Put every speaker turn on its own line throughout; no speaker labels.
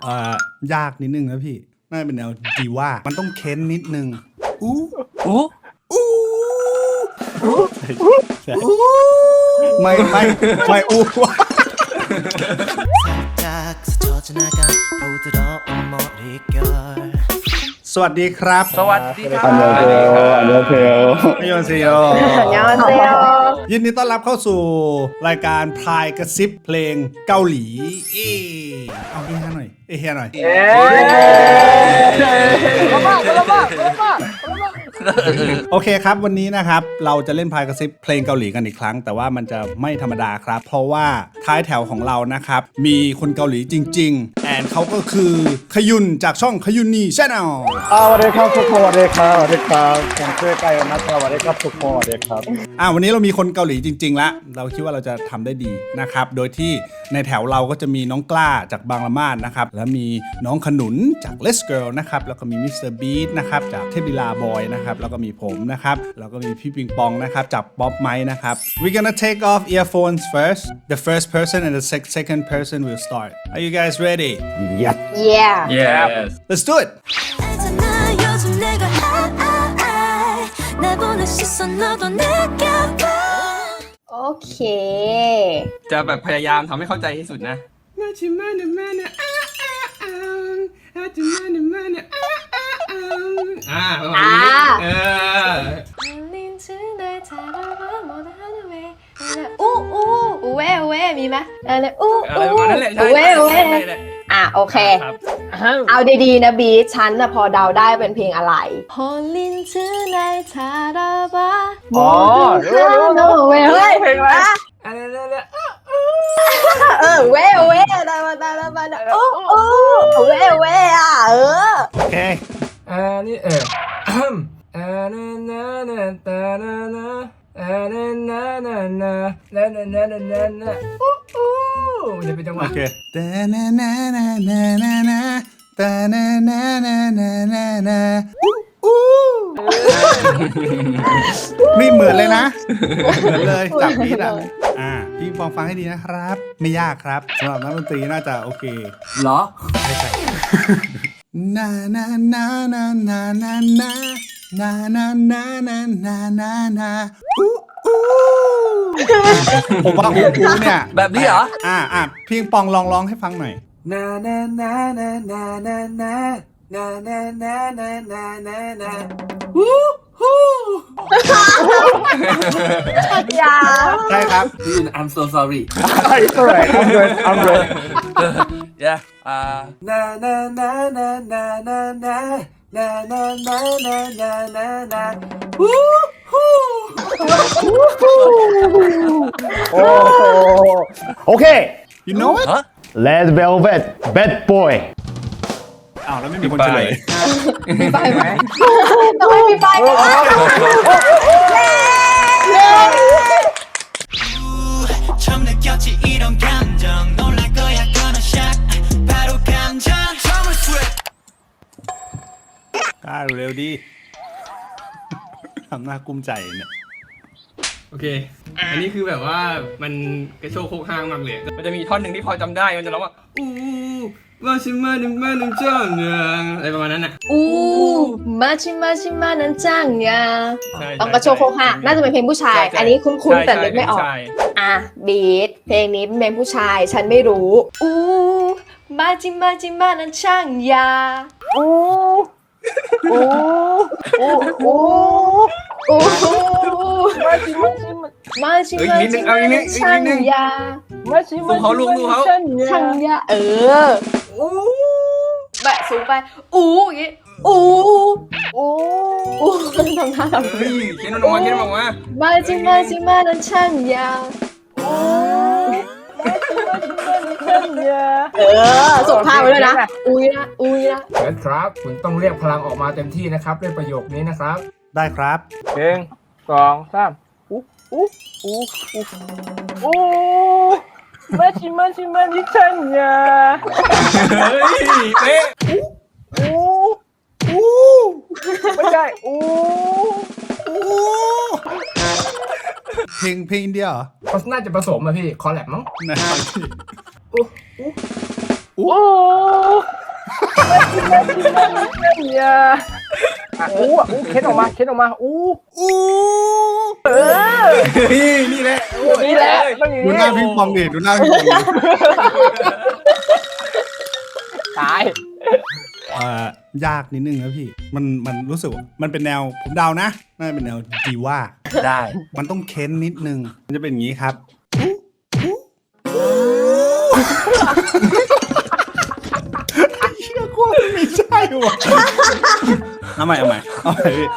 ยากนิดนึงนะพี่น่าจะเป็นแนวดีว่ามันต้องเค้นนิดนึงอู้ไม่อู้สวัสดีครับ
สวัสดีครับ
อันยองเซโยยินดีต้อนรับเข้าสู่รายการพายกระซิบเพลงเกาหลีเอาเฮียหน่อยเฮียหน่อยโอเคครับวันนี้นะครับเราจะเล่นพายกระซิบเพลงเกาหลีกันอีกครั้งแต่ว่ามันจะไม่ธรรมดาครับเพราะว่าท้ายแถวของเรานะครับมีคนเกาหลีจริงๆแอนเขาก็คือขยุนจากช่องขยุนนี่ชาแนล
สวัสดีครับทุกคนสวัสดีครับผมชื่อไก่นะครับสวัสดีครับทุกคนสวัสดีครับ
วันนี้เรามีคนเกาหลีจริงๆแล้วเราคิดว่าเราจะทำได้ดีนะครับโดยที่ในแถวเราก็จะมีน้องกล้าจากบางละมาดนะครับแล้วมีน้องขนุนจาก Let's Girl นะครับแล้วก็มีมิสเตอร์บีทนะครับจากเทพลีลาบอยนะครับแล้วก็มีผมนะครับแล้วก็มีพี่ปิงปองนะครับจากป๊อปไมค์นะครับ We're gonna take off earphones first the first person and the second person will start Are you guys ready?
Yes
Yes
Let's do it
โอเค
จะแบบพยายามทำให้เข้าใจที่สุดนะประมาณนี้
อูเว่มีไหมอะไรอู
นั่นแหละใช่
เว่โอเคเอาดีๆนะบีทฉันนะพอเดาได้เป็นเพลงอะไรพอลินชื่อในทาราบะรู้เว้ย
เพลงอะไร
เว่ดาบะเว่
โอเค
นี่จะเป็นจังหวะ
โอเคนี่เหมือนเลยนะเหมือนเลยจับพีดพี่ฟังให้ดีนะครับไม่ยากครับสำหรับนักดนตรีน่าจะโอเค
เหรอ
ไม่ใช่ผมว่าอู้เนี่ย
แบบนี้เหรอ
พี่ปองลองร้องให้ฟังหน่อยใช่ครับ
I'm so sorry
It's alright I'm good
Yeah
โอเค
You know it
Red Velvet Bad Boy
แล้วไม่มีคนเฉลย
มีไฟไหมต้องไม่มีไฟ
กล้าเร็วดีทำหน้ากุ้มใจเนี่ย
โอเคอันนี้คือแบบว่ามันกระโชกโคกห้างมากเลยมันจะมีท่อนหนึ่งที่พอจำได้มันจะร้องว่าว่าชิมาดิมาดิจ้างอะไรประมาณนั้นน่ะ
มาชิมานันจ้างยาต้องกระโชกโคกห้างน่าจะเป็นเพลงผู้ชายอันนี้คุ้นๆแต่นึกไม่ออกบีทเพลงนี้เป็นเพลงผู้ชายฉันไม่รู้มาชิมานันจ้างยามาชิช่างยา
ลูกเขา
ช่างยาแบบสูงไปอย่างงี้ทำท่าทำ
เขียนออกมา
มาชิมานั่นช่างยาส่งภาพไปเลยนะอุ้ยนะ
ครับคุณต้องเรียกพลังออกมาเต็มที่นะครับด้วยประโยคนี้นะครับ
ได้ครับ
1 2 3มาชิช่างยา
เป๊ะ
ไม่ใช่
เพลงอินเดียเหรอ
เขาน่าจะผสมอะพี่คอลแลบมั้ง
เนี่ยอู้เข็นออกมาอู้
อู้
นี่แหละ
นี่แหละต้องอย่าง
ดู
นี้
หน้าพิงปองดิดูหน้าพิงปองดิ
ตาย
ยากนิดนึงนะพี่มันรู้สึกว่ามันเป็นแนวผมเดานะน่าจะเป็นแนวดีว่า
ได้
มันต้องเค้นนิดนึงมันจะเป็นอย่างนี้ครับเชื่อกว่าไม่ใช่ว่ะเอาใหม่พี่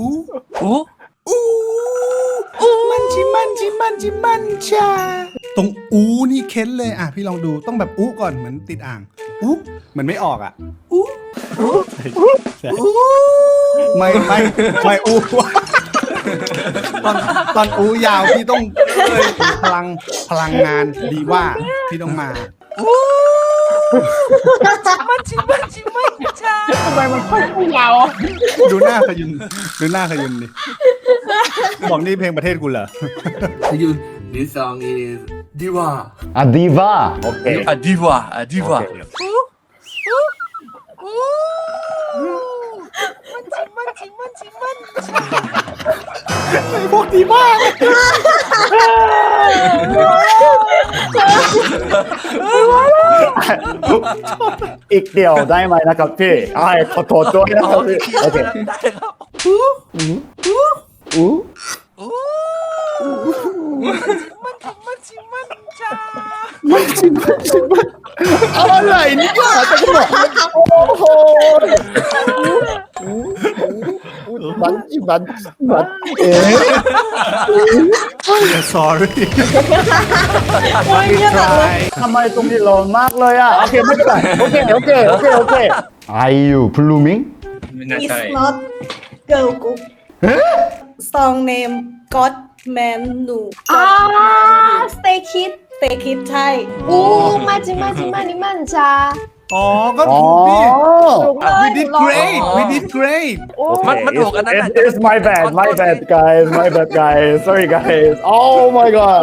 อู้มันชาตรงอู้นี่เค้นเลยอ่ะพี่ลองดูต้องแบบอู้ก่อนเหมือนติดอ่างอู้เหมือนไม่ออกอ่ะอู้ไม่อู้ตอนอู้ยาวพี่ต้องพลังงานดีว่าพี่ต้องมา
ทำไมมันค่อยยาว
ดูหน้าขยุนดิบอกนี่เพลงประเทศกูเหรอ
This song is Diva
อ่ะดีว่าโอเค
Diva.
ไอ้พวกดีมาก
อีกเดียวได้ไหมนะครับพี่ขอโทษด้วยนะครับพี่โอเคอะไรเนี่ยจะบอกโอ้โหมัน
sorry
ทำไมตรงนี้ร้อนมากเลยอ่ะโอเคไม่เป็นไรโอเค Are you blooming
It's not girl group. Song name God Man Nu.
สเตย์คิด
Stay Kid ใช่
อู้มาจินี่มันจ้า
อ๋อก็ถูกพี่ we did great
มันถูกอันนั้นน่ะ
It's my bad guys sorry guys oh my god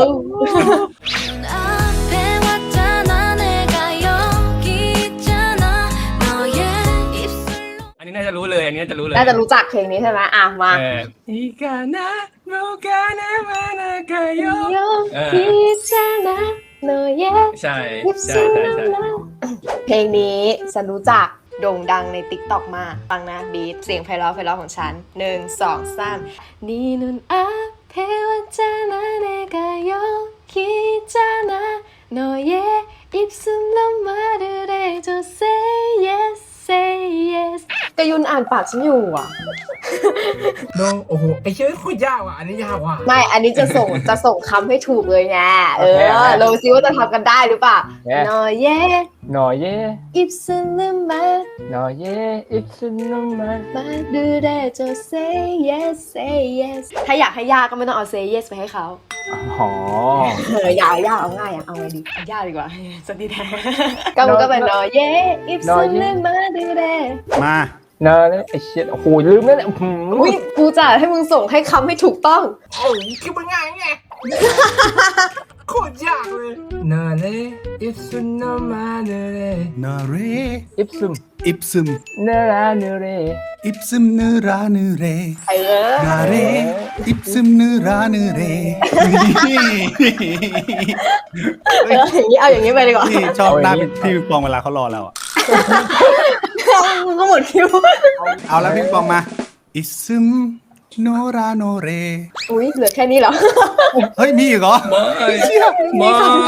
앞에 왔잖아 내가 여기 있잖아 너의 입술로
อันนี้น่าจะรู้เลยอันนี้น่าจะรู้เลย
น่าจะรู้จักเพลงนี้ใช่ไหมอ่ะมา
อีกานะโมกานะมานากาโย
โยคิดจ้านะโนเย
ใช่
ยิบ
ใช่
ซู
ใช่ใช่
เพลงนี้ฉันรู้จักโด่งดังในติ๊กต็อกมากฟังนะบีทเสียงไพเราะของฉัน1 2 3นี่นุ่นอาเพวัจานะเนกาโยคิจานะโนเยอิบซุมลมมาดูเรโจ say yes say yes กยุนอ่านปากฉันอยู่อ่ะ
โนโอ้โหไอเชื่อโคตรยากว่ะอันนี้ยากว่ะ
ไม่อันนี้จะส่งคำให้ถูกเลยไงลองซิว่าจะทำกันได้หรือเปล่าโนเย
หน่อยเย่
อิบซุมลมมา
หน่อยเย่อิปซึนมา
มาดูได้จะ say yes say yes ถ้าอยากให้ยากก็ไม่ต้องเอา say yes ไปให้เขา
อ๋อ
อยากเอาง่ายเอาไงดียากดีกว่าสติแท้ก็มันก็เป็นนอเย่อิฟซึมเลยมาดูได้
มา
เนอะไอ้เชี่ยโอ้โหลืมแล้วเนี่ย
อุ้ยกูจะให้มึงส่งให้คำให้ถูกต้อง
โอ้ยคือมันง่ายไงโคตรยากเลยนาเลอิฟซุนนามาเนเร
นาเร
อิปซึม
อิปซึม
เนราเนเร
อิปซึมเนราเนเร
เ
นาเรอิปซึมเนราเนเรนี่
เอาอย่างนี้ไปดีกว่า
นี่ชอบหน้าพี่ปิงปองเวลาเขารอเราอ่ะ
มึงก็หมดคิว
เอาแล้วพี่ปิงปองมาอิซึมโนราโนเร
อุ้ยเหลือแค่นี้เหรอ
เฮ้ยมีอีกเหรอ
ไม่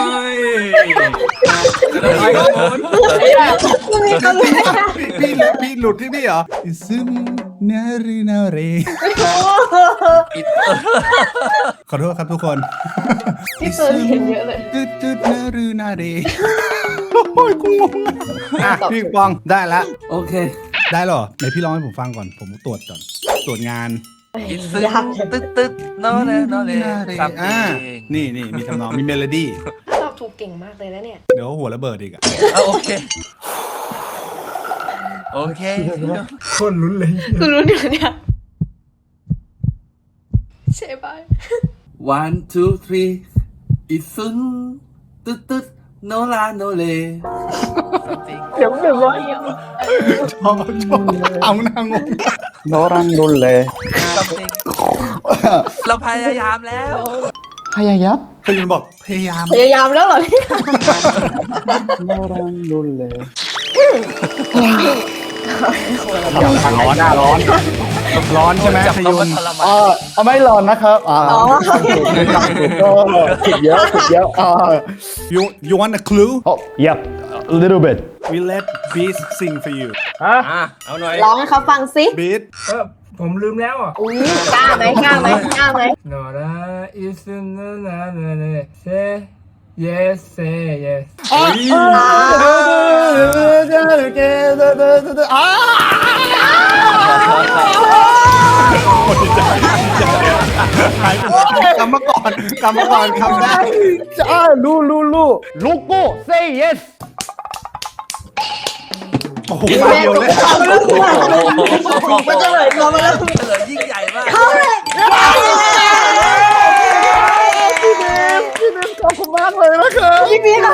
มึงมีคำไหม
พี่หลุดที่นี่เหรออิซึมเนรีนาเรขอโทษครับทุกคน
พี่เฟิร์นเห็นเยอะเลย
ตืดเนรีนาเรโอ้ยกูงงอ่ะพี่ปิงปองได้แล้ว
โอเค
ได้เหรอไหนพี่ร้องให้ผมฟังก่อนผมตรวจก่อนตรวจงาน
อินซึตึ๊ดโนเลซัม
อ่า
ติง
นี่มีทำนองมีเมโลดี้
ตอบถูกเก่งมากเลยนะเนี่ย
เดี๋ยวหัวระเบิดอีกอ่ะ
โอเค
คนลุ้นเลย
กูรู้เดี๋ยวเนี่ยใช่ป่ะ
1 2 3อิซุนตึ๊ดโนลาโนเล
ซัมติง
เดี๋ยว100
เอานางงง
너랑 놀래
เราพยายามแล้ว
하야야
พยายามบอกพยายาม
พยายามแล้วเหรอเนี่ย
너랑 놀래
ร้อนร้อนใช่ไหม
จับ
พ
เรา
ยุ
ก็
น
ทรมาน
ไม่ร้อนนะครับก็ผิดเยอะ
you want a clue
yep a little bit
we let beast sing for you
อ่ะเอาหน่อย
ร้องให้เขาฟังสิ
beast
ผมลืมแล้วอ่ะ
อุ้ยกล้าไหมกล้าไหมกล้าไหม
Nora is na na na na say yes say yes
กำมาก่อนคำได้
ลูโก้ say yes
โอ้โหมาเดียวเลย
มันจะเลยเรามาแล้ว
เฉลยยิ่งใหญ่มาก
ขอบคุณมากเลยนะครับ
พี่ค่ะ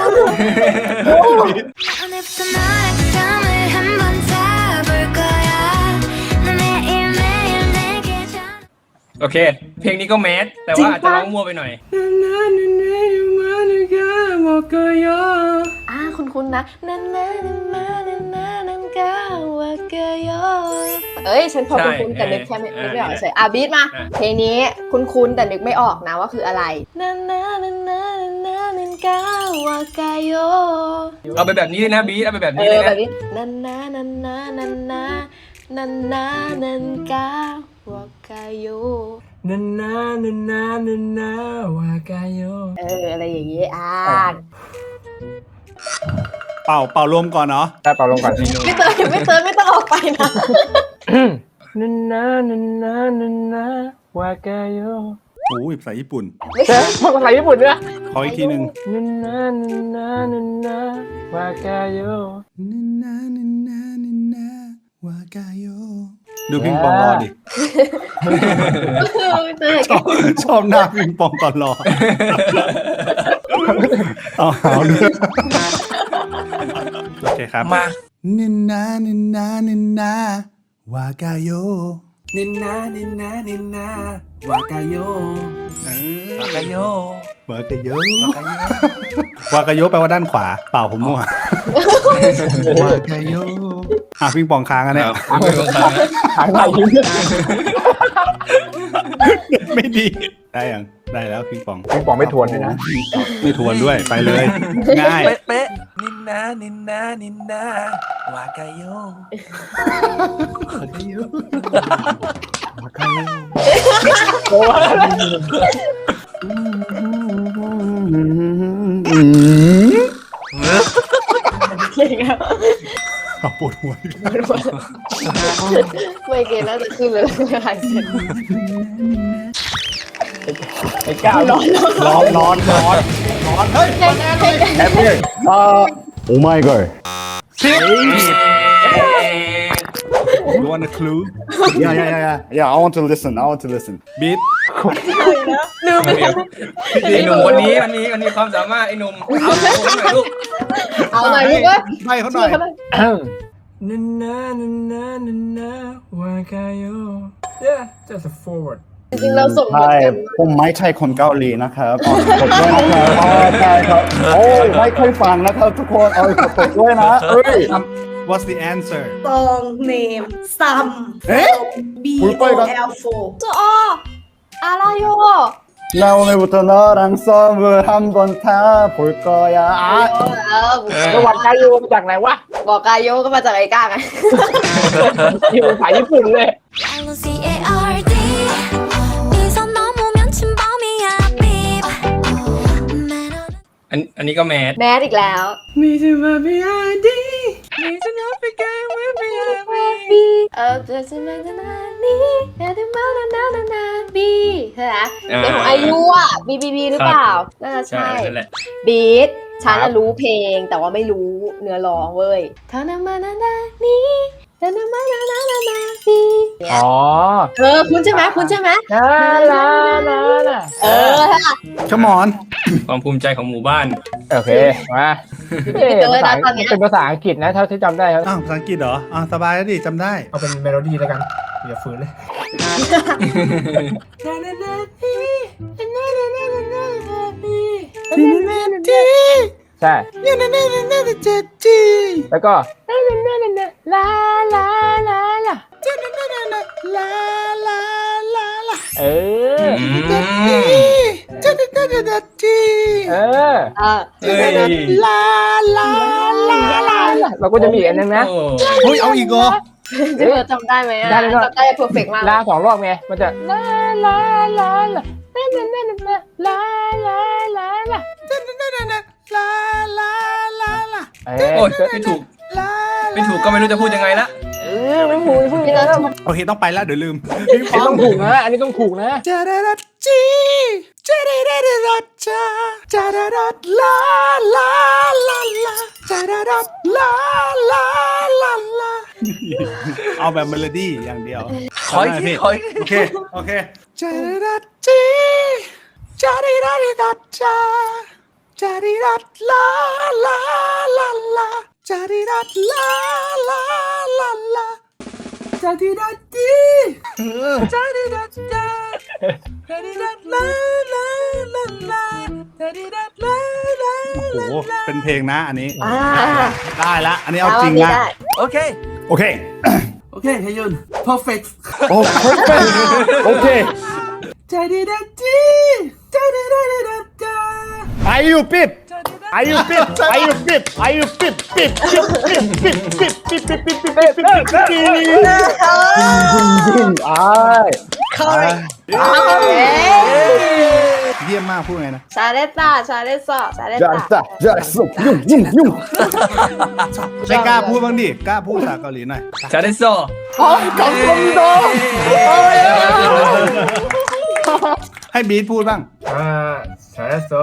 오늘부터 너의 감을 한번 잡을 거야 넌 매일매일 내게 전
โอเค เพลงนี้ก็แมสแต่ว่าอาจจะร้องมั่วไปหน่อย
คุณนะนันนันมานันนันนันกาวากายเอ้ยฉันพอคุ้นๆแต่นึกแค่นึกไม่ออกเฉยบีทมาเพลงนี้คุ้นๆแต่นึกไม่ออกนะว่าคืออะไรนันนันนันนันนันนันกาวากาย
เอาไปแบบนี้เลยนะบีเอาไปแบบนี้
เอ
เล
อย แบ
นะ
บนี้นันนันนันนันนันนันนันนันนันกาวากาย
นันนานันนานันนาวากายโย
อะไรอย่างงี้
เป่ารวมก่อนเนาะ
ได้เป่าลงก่อน
ไม่เติมไม่ต้องออกไปนะ
นันนานันนานันนาวากายโย
โอ้ยภาษาญี่ปุ่น
ภาษาญี่ปุ่นด้วย
ขออีกทีหนึ่ง
นันนานันนานันนาวากายโย
วากาโยดูพิงปองรอดิ ชอบหน้าพิงปองตอนรอเอาหาวด้วยโอเคครับ
มา
นินนาวากาโย
นินนานินนานินนาวากายโย
วากาโยว
ากาโยวากาโยแปลว่าด้านขวาเปล่าผมมั่ววากาโยพิงปองค้างอันเนี้ย
หายไป
ไม่ดีได้ยังได้แล้วพิงปอง
พี่ปองไม่ทวนด้วยนะ
ไม่ทวนด้วยไปเลย ง่าย
เป๊ะนินนานินนาวากาโย
เอาปวดหัว
ไม่เกณฑ์น่าจะขึ้นเลยหายเสร็จ
ไอ้ก้าวร้อนเฮ้ยแอปเปิ้ลโอ้ my god
You want a clue
yeah I want to listen
beat
ไอ้หนุ่มคนนี้มันมีความสามารถไอ้หนุ่มเอาหน่อยลูก
เอาหน่อยลูกเว้ย
ให้เขาหน่อย
นันนานันนานันนาวากายโย yeah just a forward
จริงๆเราส่งบท
ใช่
กัน
ผมไม่ใช่คนเกาหลีนะครับขอโทษด้วยนะครับใช่ครับโอ้ยไม่เคยฟังนะครับทุกคนขอโทษด้วยนะเอ้ย
What's the answer
song name Sam
เอ๊ะ
BOL4
จะอะไรโย
나 오늘부터 너랑 썸을 한번 타볼 거야
จังหวัดไกยูมาจากไหนวะ
บอกกายโยก็มาจากไอ้ก้าไง
อยู่ภาษาญี่ปุ่นเลย
LCARD 이선 넘으면 침범이야 beep
อันนี้ก็แมส
แมสอีกแล้ว
มีจะมาบีไอดีมีจะนับไปไกลเว็บบีไอดี
จะจะมาจะนานี่แต่ถึงมานาบีใช่ไหมเป็นของอายุอ่ะบีหรือเปล่าน่าจะ
ใช่
ใช่
นั่นแหละ
บีทฉันรู้เพลงแต่ว่าไม่รู้เนื้อร้องเว้ยทานามานานานี่ทานามานานานาบี
อ๋อ
คุณใช่ไหมคุณใช่ไหม
ลาลาลา
ค่ะ
Come on
ความภูมิใจของหมู่บ้าน
โอเค มาเอ๊ะมันเป็นภาษาอังกฤษนะเท่าที่จำได้ครับ
อ้าวภาษาอังกฤษเหรออ้าวสบายแล้วดิจำได้
เอาเป็นเมโลดี้แล้วกันอย่าฝืนเลย
ใช่แล้วก็ลาลาลาลาเออเราก็จะมีอันนึงนะ
เฮ้ยเอาอีกเหรอ
จะจำได้ไหมอ่ะจำได้เพอร์เฟกต์มาก
ลา2 รอบไงมันจะลาลาลาลาลาลาลาลาลาลา
โอ้ยไม่ถูกก็ไม่รู้จะพูดยังไงละ
ไม่พูดนะ
โอเคต้องไปแล้วเดี๋ยวลืม
อันนี้ต้องถูกนะอันนี้ต้องถูกนะ
จาดาดาจีจาดาดาดาจาจาดาดาลาลาลาลาจาดาดาลาลาลาลาเอาแบบเมโลดี้อย่างเดียว
ขออีกทีขออีกที
โอเคโอเคจาดาดาจีจาดาดาดาจาจาดาดาลาลาลาลาจาดาดาลาลาลาลาจาดาดาจีจาดาดาจาจาดาดาลาลาลาลาจาดาดาลาลาโอ้โหเป็นเพลงนะอันนี้ได้ละอันนี้เอาจริงละ
โอเค
โอเค
โอเคเฮยุน perfect
โอ้โอเค
จาดีดาจีจาดีดาดาจา
Are you pip Are you pip Are you pip Are you pip pip pip pip pip pip pip pip pip pip pip เยี่ยมมากพูดไงนะ
ชาเลซ่า
ไม่กล้าพูดบ้างดิกล้าพูดภาษาเกาหลีหน่อย
ชาเดโซ
ให้บีทพูดบ้าง
ชาเดโซ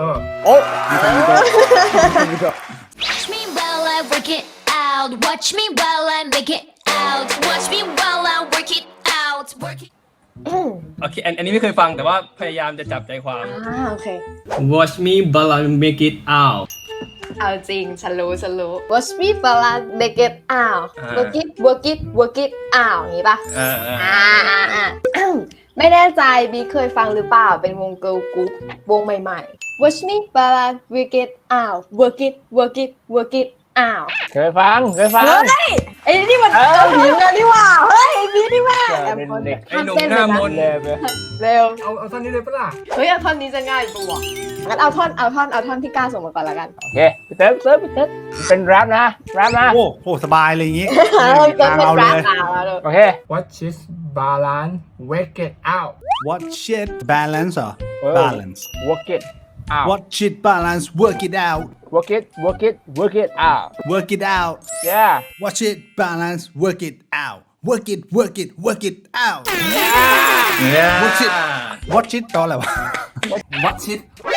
Watch me while I work it out. Watch me while I make it out. Watch me while I work it out. Work it.
โอเคอันนี้ไม่เคยฟังแต่ว่าพยายามจะจับใจความ
โอเค
Watch me while I make it out
เอาจริง ฉันรู้ Watch me while I make it out work it out อย่างนี้ป่ะ ไม่แน่ใจบีเคยฟังหรือเปล่าเป็นวงเกิร์ลกรุ๊ปวงใหม่ๆ Watch me while I work it out work it out
เคยฟัง
เฮ้ยไอ้นี่มันเกาหลีกันนี่หว่าเฮ้ยบีนี่แม่แอมคน
ไอ้หนุ่มหน้ามนต์
เร็ว
เอาท่อนนี้เลยปะล่ะ
เฮ้ยเอาท่อนนี้จะง่ายตัวงั้นเอาท่อนที่กล้าส่งมาก่อนละกัน
โอเคพี่เติร์เป็นแรปนะ
โอ้โหสบายเลยอย่างงี้
เติมเป็น
เอา
แร
เล
ป
ย
เลย
โอเค
Watch it balance wake it out
What shit balance เหรอ balance
work it out
What shit balance work it out
work it out
work it out
yeah
What shit balance work it out work it out What shit What shit ตอนอะไรวะ
What shit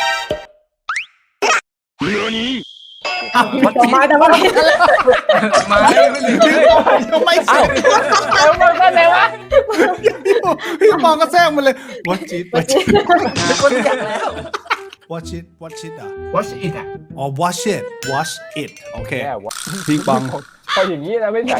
มาแต่ว่า
มา
ไม่ใช่
เอามันก็เลยวะ
พี่มองก็แซงมันเลย What shit What shit
คนอยากแล้ว
What shit What shit อ่ะ
Watch it อ่ะ
อ๋อ Watch it Watch it โอเค
แย่วะ
พิงปอง
พออย่างนี้นะไม่ใช่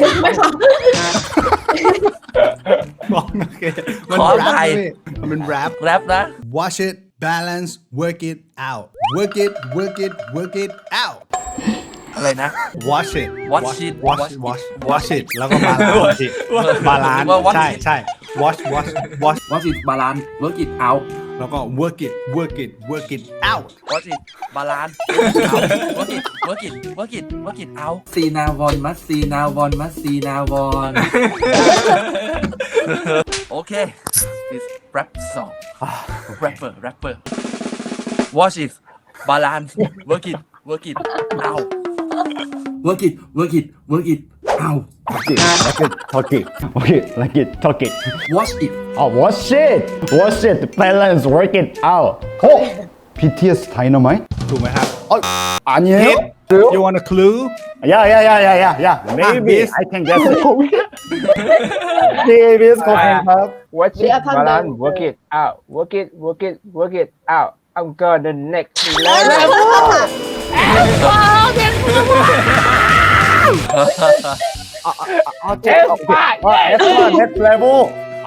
บอกโอเคมัน
ขอ
แร
อภั
ป
ย
มันเป็นแรป
แรปนะ
Watch it balance work it out work it out
อะไรนะ
Watch it
Watch it
Watch it แล้วก็บาลานซ์ใช่ใช่ Watch
Watch it balance work it out
แล้วก็ work it out
Watch it balance work it out
ซีนาวอนมัสซีนาวอนมัสซีนาวอน
โอเค this rap song rapper Watch it balance work it out
Work it out
talk it
Watch it
oh watch it balance work it out BTS Dynamite
ถูกไหมครับ
아니에요?
Hit You want a clue
yeah maybe
Beast.
I can guess it BTS 거ครับ
watch it balance work it out I'm gonna next level
next level.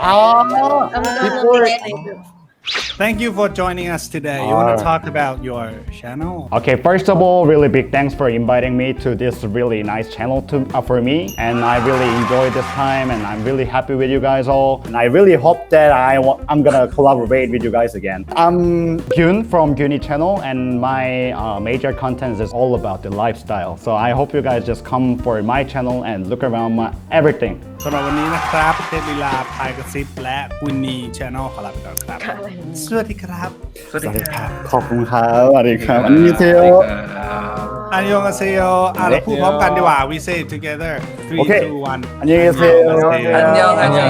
Thank you for joining us today. You want to talk about your channel?
Okay, first of all, really big thanks for inviting me to this really nice channel for me, and I really enjoyed this time, and I'm really happy with you guys all, and I really hope that I'm gonna collaborate with you guys again. I'm Gyun from Gyuni channel, and my major content is all about the lifestyle. So I hope you guys just come for my channel and look around my everything.
สำหรับวันนี้นะครับเทพลีลาพายกระซิบและกุนีชาแนลขอลาไปก่อนครับ สวัสดีครับ
สวัสดีครับ
ขอบคุณครับสวัสดีครับอันนี้เทโอ
อันยองอาเซโยเราพูดพร้อมกันดีกว่า we say it together 3
Okay.
2 1
อันนี้เทโอ
อันยองอันยอง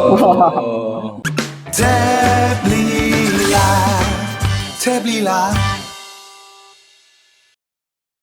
เทพลีลา